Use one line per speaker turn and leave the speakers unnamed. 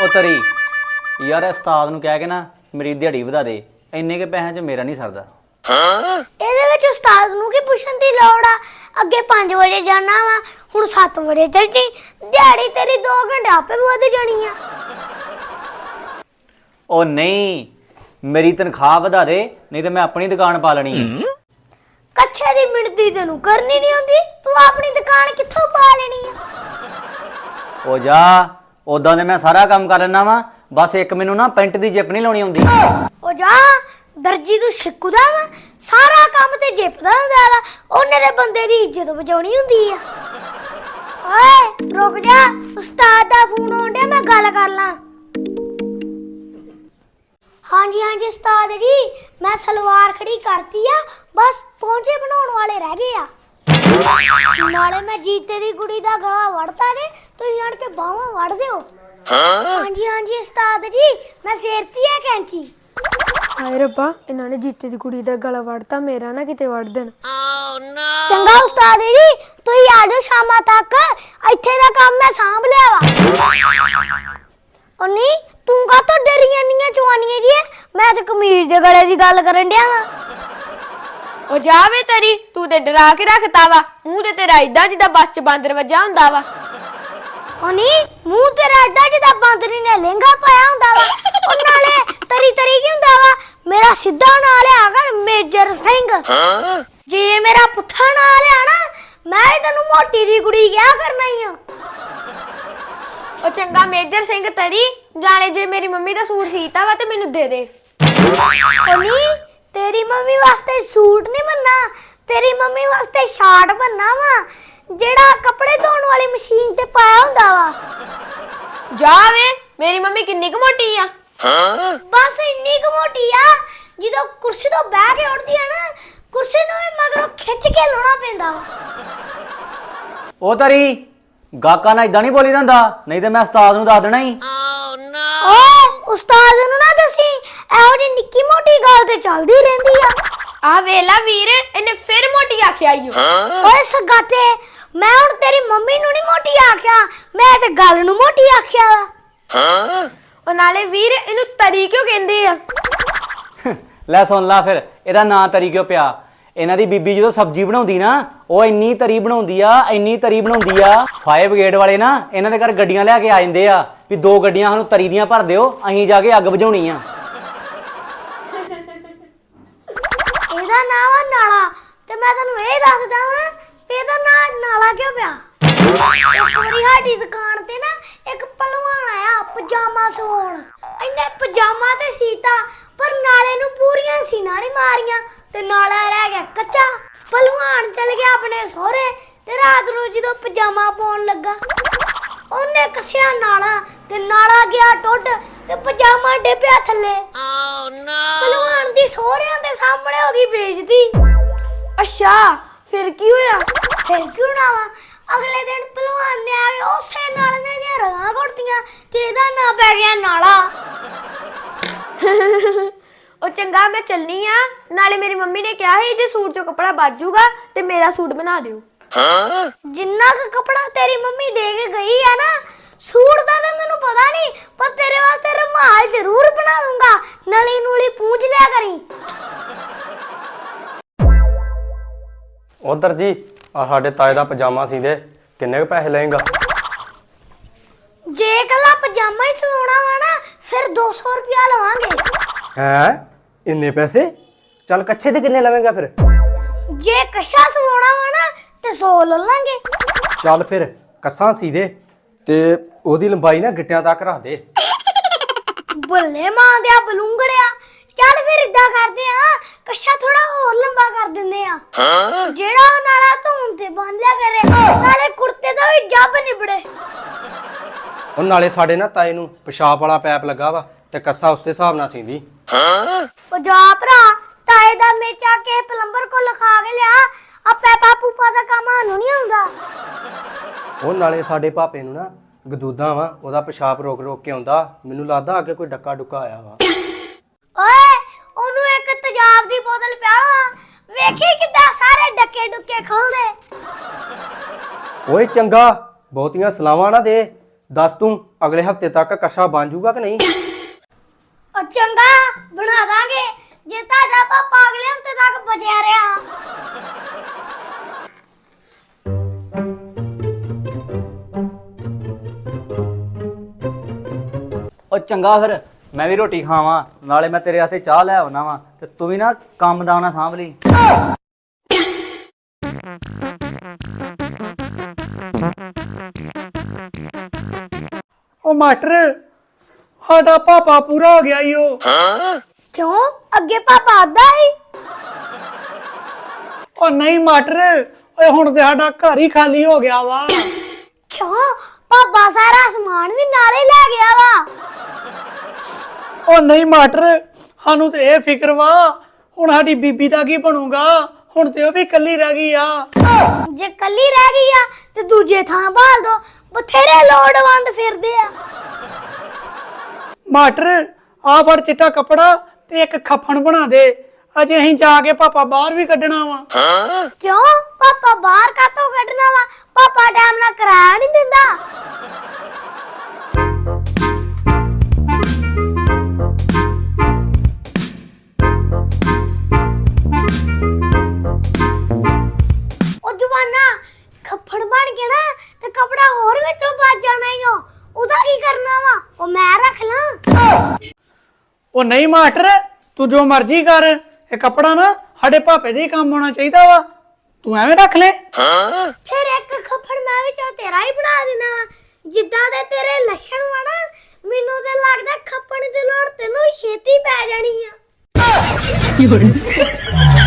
ਉਹ ਤਰੀ ਯਾਰ ਉਸਤਾਦ ਨੂੰ ਕਹਿ ਕੇ ਨਾ ਮੇਰੀ ਦਿਹਾੜੀ ਵਧਾ ਦੇ, ਇੰਨੇ ਕੇ ਪੈਸਿਆਂ 'ਚ ਮੇਰਾ ਨਹੀਂ ਸਰਦਾ।
ਇਹਦੇ ਵਿੱਚ ਉਸਤਾਦ ਨੂੰ ਕੀ ਪੁੱਛਣ ਦੀ ਲੋੜ ਆ? ਅੱਗੇ 5 ਵਜੇ ਜਾਣਾ ਵਾ, ਹੁਣ 7 ਵਜੇ ਚੱਲ ਜੀ। ਦਿਹਾੜੀ ਤੇਰੀ 2 ਘੰਟੇ ਆਪੇ ਵਧ ਜਾਣੀ ਆ।
ਉਹ ਨਹੀਂ, ਮੇਰੀ ਤਨਖਾਹ ਵਧਾ ਦੇ, ਨਹੀਂ ਤੇ ਮੈਂ ਆਪਣੀ ਦੁਕਾਨ ਪਾ ਲੈਣੀ ਹੈ।
ਕੱਛੇ ਦੀ ਮਿਣਤੀ ਤੈਨੂੰ ਕਰਨੀ ਨਹੀਂ ਆਉਂਦੀ, ਤੂੰ ਆਪਣੀ ਦੁਕਾਨ ਕਿੱਥੋਂ ਪਾ ਲੈਣੀ ਆ?
ਉਹ ਜਾ, ਉਦਾਂ ਦੇ ਮੈਂ ਸਾਰਾ ਕੰਮ ਕਰ ਲੈਣਾ ਵਾ, ਬਸ ਇੱਕ ਮੈਨੂੰ ਨਾ ਪੈਂਟ ਦੀ ਜਿੱਪ ਨਹੀਂ ਲਾਉਣੀ ਆਉਂਦੀ।
ਉਹ ਜਾ, ਦਰਜੀ ਤੂੰ ਸਿੱਖਦਾ ਵਾ, ਸਾਰਾ ਕੰਮ ਤੇ ਜਿੱਪ ਦਾ ਹੁੰਦਾ ਵਾ। ਉਹਨੇ ਦੇ ਬੰਦੇ ਦੀ ਇੱਜ਼ਤ ਬਚਾਉਣੀ ਹੁੰਦੀ ਆ। ਓਏ ਰੁਕ ਜਾ, ਉਸਤਾਦ ਦਾ ਫੋਨ ਆਉਣ ਡਿਆ, ਮੈਂ ਗੱਲ ਕਰ ਲਾਂ। ਹਾਂਜੀ ਹਾਂਜੀ ਉਸਤਾਦ ਜੀ, ਮੈਂ ਸਲਵਾਰ ਖੜੀ ਕਰਤੀ ਆ, ਬਸ ਪਹੁੰਚੇ ਬਣਾਉਣ ਵਾਲੇ ਰਹਿ ਗਏ ਆ। ਨਾਲੇ ਮੈਂ ਜੀਤੇ ਦੀ ਕੁੜੀ ਦਾ ਗਲਾ ਵੜਤਾ ਨੇ, ਤੁਸੀਂ ਆਣ ਕੇ ਬਾਹਾਂ ਵੜ ਦਿਓ। ਹਾਂਜੀ ਹਾਂਜੀ ਉਸਤਾਦ ਜੀ, ਮੈਂ ਫੇਰਤੀ ਆ ਕੈਂਚੀ।
ਹਾਏ ਰੱਬਾ, ਇਹਨਾਂ ਨੇ ਜੀਤੇ ਦੀ ਕੁੜੀ ਦਾ ਗਲਾ ਵੜਤਾ, ਮੇਰਾ ਨਾ ਕਿਤੇ ਵੜ ਦੇਣ।
ਚੰਗਾ ਉਸਤਾਦ ਜੀ, ਤੁਸੀਂ ਆ ਜਾਓ ਸ਼ਾਮਾਂ ਤੱਕ, ਇੱਥੇ ਦਾ ਕੰਮ ਮੈਂ ਸਾਂਭ ਲਿਆ ਵਾ। ਉਹ ਨਹੀਂ, ਤੂੰ ਕਾਹਤੋਂ ਡਰੀਆਂ ਨੀਆਂ ਚਵਾਨੀਆਂ ਜੀ? ਮੈਂ ਤੇ ਕਮੀਜ਼ ਦੇ ਗਲੇ ਦੀ ਗੱਲ ਕਰਨ ਡਿਆ ਵਾਂ।
ਉਹ ਜਾਵੇ ਤੇਰੀ, ਤੂੰ ਤੇ ਡਰਾ ਕੇ ਰੱਖਤਾ ਵਾ। ਮੂੰਹ ਤੇ ਤੇਰਾ ਇਦਾਂ ਜਿੱਦਾਂ ਬੱਸ 'ਚ ਬਾਂਦਰ ਵੱਜਾ ਹੁੰਦਾ ਵਾ।
ਉਹ ਨਹੀਂ, ਮੂੰਹ ਤੇਰਾ ਏਡਾ ਜਿੱਦਾਂ ਬਾਂਦਰੀ ਨੇ ਲਹਿੰਗਾ ਪਾਇਆ ਹੁੰਦਾ ਵਾ। ਉਹ ਨਾਲੇ ਤਰੀ ਤਰੀ ਕੀ ਹੁੰਦਾ ਵਾ? ਮੇਰਾ ਸਿੱਧਾ ਨਾਂ ਲਿਆ ਕਰ, ਮੇਜਰ ਸਿੰਘ। ਜੇ ਮੇਰਾ ਪੁੱਠਾ ਨਾਂ ਲਿਆ ਨਾ, ਮੈਂ ਹੀ ਤੈਨੂੰ ਮੋਟੀ ਦੀ ਕੁੜੀ ਕਿਹਾ ਕਰਨਾ ਹੀ ਆ।
ਉਹ ਚੰਗਾ ਮੇਜਰ ਸਿੰਘ ਤੇਰੀ, ਜਾਲੇ ਜੇ ਮੇਰੀ ਮੰਮੀ ਦਾ ਸੂਟ ਸੀਤਾ ਵਾ ਤੇ ਮੈਨੂੰ ਦੇ ਦੇ।
ਉਹ ਨਹੀਂ, ਤੇਰੀ ਮੰਮੀ ਵਾਸਤੇ ਸੂਟ ਨਹੀਂ ਬੰਨਾ, ਤੇਰੀ ਮੰਮੀ ਵਾਸਤੇ ਸ਼ਾਰਟ ਬੰਨਾ ਵਾ, ਜਿਹੜਾ ਕੱਪੜੇ ਧੋਣ ਵਾਲੀ ਮਸ਼ੀਨ ਤੇ ਪਾਇਆ ਹੁੰਦਾ ਵਾ।
ਜਾਵੇ, ਮੇਰੀ ਮੰਮੀ ਕਿੰਨੀ ਕੁ ਮੋਟੀ ਆ?
ਬਸ ਇੰਨੀ ਕੁ ਮੋਟੀ ਆ, ਜਦੋਂ ਕੁਰਸੀ ਤੋਂ ਬਹਿ ਕੇ ਉੱਠਦੀ ਆ ਨਾ, ਕੁਰਸੀ ਨੂੰ ਵੀ ਮਗਰੋਂ ਖਿੱਚ ਕੇ ਲਾਉਣਾ ਪੈਂਦਾ ਵਾ।
ਉਹ ਤਰੀ, ਗਾਕਾਂ ਨਾਲ ਇਦਾਂ ਨਹੀਂ ਬੋਲੀ ਜਾਂਦਾ, ਨਹੀਂ ਤੇ ਮੈਂ ਉਸਤਾਦ ਨੂੰ ਦੱਸ ਦੇਣਾ ਹੀ।
ਓਏ ਉਸਤਾਦ ਨੂੰ ਨਾ ਦੱਸੀ, ਇਹੋ ਜਿਹੀ ਨਿੱਕੀ ਮੋਟੀ ਗੱਲ ਤੇ ਚੱਲਦੀ ਰਹਿੰਦੀ ਆ।
ਆ ਵੇਲਾ ਵੀਰ, ਇਹਨੇ ਫਿਰ ਮੋਟੀ ਆਖਿਆ ਈ ਓ।
ਓਏ ਸਗਾਤੇ, ਮੈਂ ਹੁਣ ਤੇਰੀ ਮੰਮੀ ਨੂੰ ਨਹੀਂ ਮੋਟੀ ਆਖਿਆ, ਮੈਂ ਤੇ ਗੱਲ ਨੂੰ ਮੋਟੀ ਆਖਿਆ ਵਾ।
ਉਹ ਨਾਲੇ ਵੀਰ, ਇਹਨੂੰ ਤਰੀ ਕਿਉਂ ਕਹਿੰਦੇ ਆ?
ਲੈ ਸੁਣ ਲਾ ਫਿਰ, ਇਹਦਾ ਨਾਂ ਤਰੀ ਕਿਉਂ ਪਿਆ? ਇਹਨਾਂ ਦੀ ਬੀਬੀ ਜਦੋਂ ਸਬਜ਼ੀ ਬਣਾਉਂਦੀ ਨਾ, ਉਹ ਇੰਨੀ ਤਰੀ ਬਣਾਉਂਦੀ ਆ, ਇੰਨੀ ਤਰੀ ਬਣਾਉਂਦੀ ਆ। ਫਾਇਰ ਬ੍ਰਿਗੇਡ ਵਾਲੇ ਨਾ ਇਹਨਾਂ ਦੇ ਘਰ ਗੱਡੀਆਂ ਲੈ ਕੇ ਆ ਜਾਂਦੇ ਆ ਵੀ 2 ਗੱਡੀਆਂ ਸਾਨੂੰ ਤਰੀ ਦੀਆਂ ਭਰ ਦਿਓ, ਅਸੀਂ ਜਾ ਕੇ ਅੱਗ ਬੁਝਾਉਣੀ ਆ।
ਇਹਦਾ ਨਾਂ ਵਾ ਨਾਲਾ, ਤੇ ਮੈਂ ਤੈਨੂੰ ਇਹ ਦੱਸਦਾ ਵਾਂ ਵੀ ਇਹਦਾ ਨਾਂ ਨਾਲਾ ਕਿਉਂ ਪਿਆ। ਇੱਕ ਵਾਰੀ ਸਾਡੀ ਦੁਕਾਨ ਤੇ ਨਾ ਇੱਕ ਪਹਿਲਵਾਨ ਆਇਆ ਪਜਾਮਾ ਸਵਾਉਣ। ਇਹਨੇ ਪਜਾਮਾ ਤੇ ਸੀਤਾ, ਪਰ ਨਾਲੇ ਨੂੰ ਪੂਰੀਆਂ ਸੀਨਾ ਨਹੀਂ ਮਾਰੀਆਂ ਤੇ ਨਾਲਾ ਰਹਿ ਗਿਆ ਕੱਚਾ। ਪਹਿਲਵਾਨ ਚਲ ਗਿਆ ਆਪਣੇ ਸਹੁਰੇ, ਤੇ ਰਾਤ ਨੂੰ ਜਦੋਂ ਪਜਾਮਾ ਪਾਉਣ ਲੱਗਾ, ਉਹਨੇ ਕੱਸਿਆ ਨਾਲਾ ਤੇ ਨਾਲਾ ਗਿਆ ਟੁੱਟ ਤੇ ਪਜਾਮਾ ਡਿੱਪਿਆ ਥੱਲੇ। ਪਹਿਲਵਾਨ ਦੀ ਸਹੁਰਿਆਂ ਦੇ ਸਾਹਮਣੇ ਹੋ ਗਈ ਬੇਇੱਜ਼ਤੀ।
ਅੱਛਾ, ਫਿਰ ਕੀ ਹੋਇਆ?
ਫਿਰ ਕਿਉਂ ਨਾ ਵਾ, ਅਗਲੇ ਦਿਨ ਪਹਿਲਵਾਨ ਨੇ ਆ ਕੇ ਉਸੇ ਨਾਲ ਦੀਆਂ ਰਗਾਂ ਘੁੱਟੀਆਂ ਤੇ ਇਹਦਾ ਨਾਂ ਪੈ ਗਿਆ ਨਾਲਾ।
ਉਹ ਚੰਗਾ, ਮੈਂ ਚੱਲਨੀ ਆ। ਨਾਲੇ ਮੇਰੀ ਮੰਮੀ ਨੇ ਕਿਹਾ ਸੀ ਜੇ ਸੂਟ ਚੋਂ ਕੱਪੜਾ ਬਚ ਜਾਊਗਾ ਤੇ ਮੇਰਾ ਸੂਟ ਬਣਾ ਦਿਓ।
ਜਿੰਨਾ ਕੁ ਕੱਪੜਾ ਤੇਰੀ ਮੰਮੀ ਦੇ ਕੇ ਗਈ ਆ ਨਾ, ਸੂਟ ਦਾ ਤਾਂ ਮੈਨੂੰ ਪਤਾ ਨਹੀਂ, ਪਰ ਤੇਰੇ ਵਾਸਤੇ ਰੁਮਾਲ ਜ਼ਰੂਰ ਬਣਾ ਦੂੰਗਾ। ਨਲੀ ਨੂਲੀ ਪੂੰਝ ਲਿਆ ਕਰੀ।
ਉਧਰ ਜੀ, ਆ ਸਾਡੇ ਤਾਏ ਦਾ ਪਜਾਮਾ ਸੀਂਦੇ, ਕਿੰਨੇ ਕੁ ਪੈਸੇ ਲਏਗਾ?
ਜੇ ਇਕੱਲਾ ਪਜਾਮਾ ਹੀ ਸਵਾਉਣਾ ਵਾ ਨਾ, ਫਿਰ 200 ਰੁਪਇਆ ਲਵਾਂਗੇ।
ਹੈ ਇੰਨੇ ਪੈਸੇ? ਚੱਲ ਕੱਛੇ ਦੇ ਕਿੰਨੇ ਲਵੇਂਗਾ ਫਿਰ?
ਜੇ ਕੱਛਾ ਸਵਾਉਣਾ ਵਾ ਨਾ ਤੇ 100 ਲੈ ਲਾਂਗੇ।
ਚੱਲ ਫਿਰ ਕੱਸਾਂ ਸੀ ਦੇ, ਤੇ ਉਹਦੀ ਲੰਬਾਈ ਨਾ ਗਿੱਟਿਆਂ ਤੱਕ ਰੱਖ ਦੇ।
ਬੱਲੇ ਮਾਂ ਦਿਆ ਬਲੂੰਗੜਿਆ, ਚੱਲ ਫਿਰ ਇਦਾਂ ਕਰਦੇ ਆ, ਕੱਛਾ ਥੋੜਾ ਹੋਰ ਲੰਬਾ ਕਰ ਦਿੰਦੇ ਆ। ਜਿਹੜਾ ਉਹ ਨਾਲਾ ਧੂਣ ਤੇ ਬੰਨ ਲਿਆ ਕਰੇ, ਨਾਲੇ ਕੁੜਤੇ ਦਾ ਵੀ ਜੱਬ ਨਿਬੜੇ।
ਉਹ ਨਾਲੇ ਸਾਡੇ ਨਾ ਤਾਏ ਨੂੰ ਪਿਸ਼ਾਬ ਵਾਲਾ ਪੈਪ ਲੱਗਾ ਵਾ, ਤੇ ਕੱਸਾ ਉਸੇ ਹਿਸਾਬ ਨਾਲ ਸੀਂਦੀ।
ਉਹ ਜਾ ਭਰਾ, ਤਾਏ ਦਾ ਮੇਚਾ ਕੇ ਪਲੰਬਰ ਕੋ ਲਿਖਾ ਕੇ ਲਿਆ, ਆ ਪੈਪਾ ਪੂਪਾ ਦਾ ਕੰਮ ਸਾਨੂੰ ਨਹੀਂ ਆਉਂਦਾ।
ਉਹ ਨਾਲੇ ਸਾਡੇ ਭਾਪੇ ਨੂੰ ਨਾ ਗਦੂਦਾਂ ਵਾ, ਉਹਦਾ ਪਿਸ਼ਾਬ ਰੋਕ ਰੋਕ ਕੇ ਆਉਂਦਾ। ਮੈਨੂੰ ਲੱਗਦਾ ਅੱਗੇ ਕੋਈ ਡੱਕਾ ਡੁੱਕਾ ਆਇਆ ਵਾ।
ਓਏ ਉਹਨੂੰ ਇੱਕ ਤੇਜ਼ਾਬ ਦੀ ਬੋਤਲ ਪਿਆਲਾ, ਵੇਖੀ ਕਿੱਦਾਂ ਸਾਰੇ ਡੱਕੇ ਡੁੱਕੇ ਖੋਲਦੇ।
ਓਏ ਚੰਗਾ, ਬਹੁਤੀਆਂ ਸਲਾਵਾਂ ਨਾ ਦੇ, ਦੱਸ ਤੂੰ ਅਗਲੇ ਹਫਤੇ ਤੱਕ ਕੱਛਾ ਬਣ ਜਾਊਗਾ ਕਿ ਨਹੀਂ?
ਉਹ ਚੰਗਾ ਬਣਾ ਦਾਂਗੇ ਜੇ ਤੁਹਾਡਾ ਪਾਪਾ ਅਗਲੇ ਹਫਤੇ ਤੱਕ ਬਚਿਆ ਰਿਹਾ।
ਉਹ ਚੰਗਾ ਫਿਰ ਮੈਂ ਵੀ ਰੋਟੀ ਖਾਵਾਂ, ਨਾਲੇ ਮੈਂ ਤੇਰੇ ਵਾਸਤੇ ਚਾਹ ਲੈ ਆਉਣਾ ਵਾ, ਤੇ ਤੂੰ ਵੀ ਨਾ ਕੰਮ ਦਾ ਨਾ ਸਾਂਭ ਲਈ।
ਉਹ ਮਾਸਟਰ ਸਾਡਾ ਪਾਪਾ ਪੂਰਾ ਹੋ ਗਿਆ ਈ ਉਹ।
ਕਿਉਂ ਅੱਗੇ ਪਾਪਾ ਆਦਾ ਹੀ?
ਉਹ ਨਹੀਂ ਮਾਸਟਰ, ਓਏ ਹੁਣ ਤੇ ਸਾਡਾ ਘਰ ਹੀ ਖਾਲੀ ਹੋ ਗਿਆ ਵਾ।
ਕਿਉਂ ਪਾਪਾ ਸਾਰਾ ਸਮਾਨ ਵੀ ਨਾਲੇ ਲੈ ਗਿਆ ਵਾ?
ਉਹ ਨਹੀਂ ਮਾਸਟਰ, ਸਾਨੂੰ ਤੇ ਇਹ ਫਿਕਰ ਵਾ ਹੁਣ ਸਾਡੀ ਬੀਬੀ ਦਾ ਕੀ ਬਣੂਗਾ, ਹੁਣ ਤੇ ਉਹ ਵੀ ਇਕੱਲੀ ਰਹਿ ਗਈ ਆ।
ਜੇ ਕੱਲੀ ਰਹਿ ਗਈ ਆ ਤੇ ਦੂਜੇ ਥਾਂ ਭਾਲ ਦੋ, ਬਥੇਰੇ ਲੋੜਵੰਦ ਫਿਰਦੇ ਆ।
ਮਾਸਟਰ ਆ ਫੜ ਚਿੱਟਾ ਕੱਪੜਾ ਤੇ ਇੱਕ ਖੱਫਣ ਬਣਾ ਦੇ, ਅਜੇ ਅਸੀਂ ਜਾ ਕੇ ਪਾਪਾ ਬਾਹਰ ਵੀ ਕੱਢਣਾ ਵਾ।
ਕਿਉਂ ਪਾਪਾ ਬਾਹਰ ਕਾਤੋਂ ਕੱਢਣਾ ਵਾ? ਪਾਪਾ ਟਾਈਮ ਨਾਲ ਕਿਰਾਇਆ ਨਹੀਂ ਦਿੰਦਾ। ਉਹ ਜਵਾਨਾ ਖੱਫੜ ਬਣ ਕੇ ਨਾ ਤੇ ਕਪੜਾ ਹੋਰ ਵਿੱਚੋਂ ਵੱਜ ਜਾਣਾ ਈ ਓ। ਉਹਦਾ ਕੀ ਕਰਨਾ ਵਾ? ਉਹ ਮੈਂ ਰੱਖ ਲਾਂ।
ਉਹ ਨਹੀਂ ਮਾਸਟਰ, ਤੂੰ ਜੋ ਮਰਜ਼ੀ ਕਰ, ਇਹ ਕੱਪੜਾ ਨਾ ਸਾਡੇ ਪਾਪੇ ਦੇ ਹੀ ਕੰਮ ਆਉਣਾ ਚਾਹੀਦਾ ਵਾ, ਤੂੰ ਐਵੇਂ ਰੱਖ ਲੈ।
ਫਿਰ ਇੱਕ ਖੱਫੜ ਮੈਂ ਵਿੱਚੋਂ ਤੇਰਾ ਹੀ ਬਣਾ ਦੇਣਾ ਵਾ। ਜਿੱਦਾਂ ਦੇ ਤੇਰੇ ਲੱਛਣ ਵਾ ਨਾ, ਮੈਨੂੰ ਤੇ ਲੱਗਦਾ ਖੱਪਣ ਦੀ ਲੋੜ ਤੈਨੂੰ ਛੇਤੀ ਪੈ ਜਾਣੀ ਆ।